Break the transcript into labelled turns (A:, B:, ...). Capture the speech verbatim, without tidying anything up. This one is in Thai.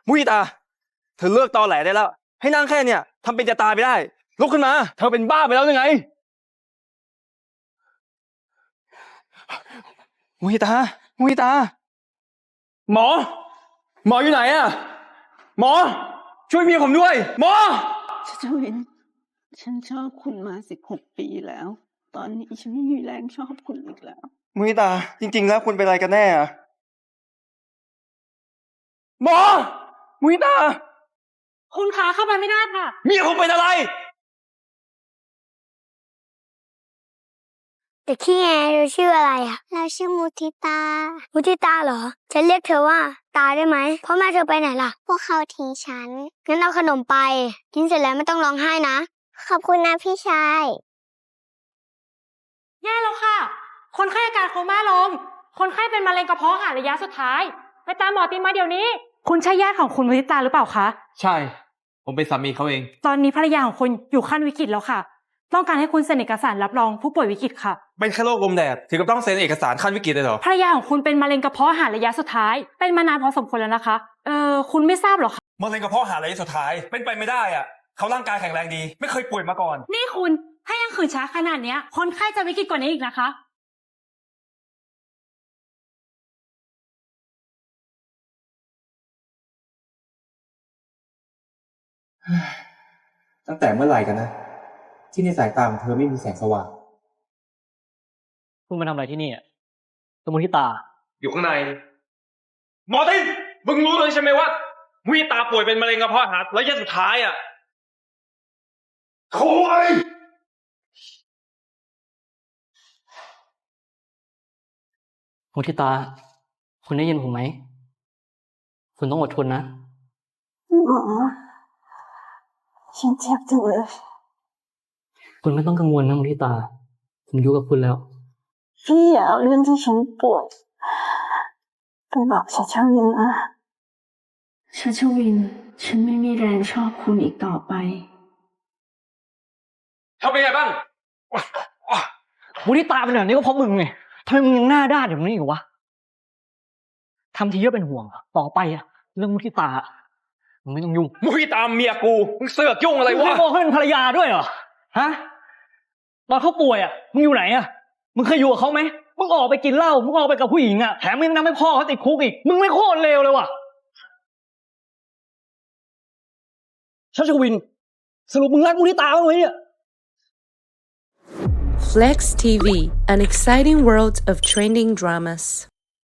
A: มุยตาเธอเลิกตอแหลได้แล้วให้นั่งแค่เนี่ยทำเป็นจะตายไปได้ลุกขึ้นมาเธอเป็นบ้าไปแล้วยังไงมุยตามุยตาหมอหมออยู่ไหนอะหมอช่วยเมียผมด้วยหมอ
B: ชัชวินฉันชอบคุณมาสิบหกปีแล้วตอนนี้ฉันไม่มีแรงชอบคุณอีกแล้ว
A: มุยตาจริงๆแล้วคุณเป็นอะไรกันแน่อะหมอมุยตา
C: คุณคะเข้าไปไม่ได้ค่ะ
A: เมียผมเป็นอะไร
D: เด็กขี้แงเราชื่ออะไรอ่ะเราชื่อมุทิตามุทิตาเหรอฉันเรียกเธอว่าตาได้ไหมพ่อแม่เธอไปไหนล่ะพวกเขาทิ้งฉันงั้นเอาขนมไปกินเสร็จแล้วไม่ต้องร้องไห้นะขอบคุณนะพี่ชาย
C: แย่แล้วค่ะคนไข้อาการโคม่าลงคนไข้เป็นมะเร็งกระเพาะอาหารระยะสุดท้ายไปตามหมอติมาเดี๋ยวนี้คุณใช่ญาติของคุณมุทิตาหรือเปล่าคะ
A: ใช่ผมเป็นสามีเขาเอง
C: ตอนนี้ภรรยาของคุณอยู่ขั้นวิกฤตแล้วค่ะต้องการให้คุณเซ็นเอกสารรับรองผู้ป่วยวิกฤตค่ะ
A: เป็นแค่โรคลมแดดถึงกับต้องเซ็นเอกสารขั้นวิกฤตเลยเหรอ
C: ภรรยาของคุณเป็นมะเร็งกระเพาะอาหารระยะสุดท้ายเป็นมานานพอสมควรแล้วนะคะเออคุณไม่ทราบหรอคะ
A: มะเร็งกระเพาะอาหารระยะสุดท้ายเป็นไปไม่ได้อ่ะเขาร่างกายแข็งแรงดีไม่เคยป่วยมาก่อน
C: นี่คุณถ้ายังขืนช้าขนาดเนี้ยคนไข้จะวิกฤตกว่านี้อีกนะคะ
A: ตั้งแต่เมื่อไหร่กันนะที่ในสายตาของเธอไม่มีแสงสว่าง
E: คุณมาทำอะไรที่นี่อ่ะสมุนที่ตา
A: อยู่ข้างในหมอตินมึงรู้เลยใช่ไหมว่ามุยตาป่วยเป็นมะเร็งกระเพาะอาหารระยะสุดท้ายอ่ะโค้ย
E: มุทิตาคุณได้ยินผมไหมคุณต้องอดทนนะ
B: หมอฉันเจ็บจังเลย
E: คุณไม่ต้องกังวลนะมุทิตาผมอยู่กับคุณแล้ว
B: พี่อย่าเอาเรื่องที่ฉันปวดไปบอกชัชวินนะชัชวินฉันไม่มีแรงชอบคุณอีกต่อไป
A: ทำเป็นไงบ้าง
E: มุทิตาเป็นแบบนี้ก็เพราะมึงไงทำไมมึงยังหน้าด้านอย่างนี้อยู่วะทำทีเยอะเป็นห่วงต่อไปอะเรื่องมุทิตามึงไม่ต้องยุ่ง
A: มุยตาเมียกูมึงเสือกยุ่งอะไรวะ
E: มึงไม่บอกให้เป็นภรรยาด้วยเหรอฮะตอนเขาป่วยอะมึงอยู่ไหนอะมึงเคยอยู่กับเขาไหมมึงออกไปกินเหล้ามึงออกไปกับผู้หญิงอะแถมมึงทำให้พ่อเขาติดคุกอีกมึงไม่โคตรเลวเลยว่ะชัชวินสรุปมึงรักมุทิตาบ้างไหมเนี่ย
F: Flex ที วี an exciting world of trending dramas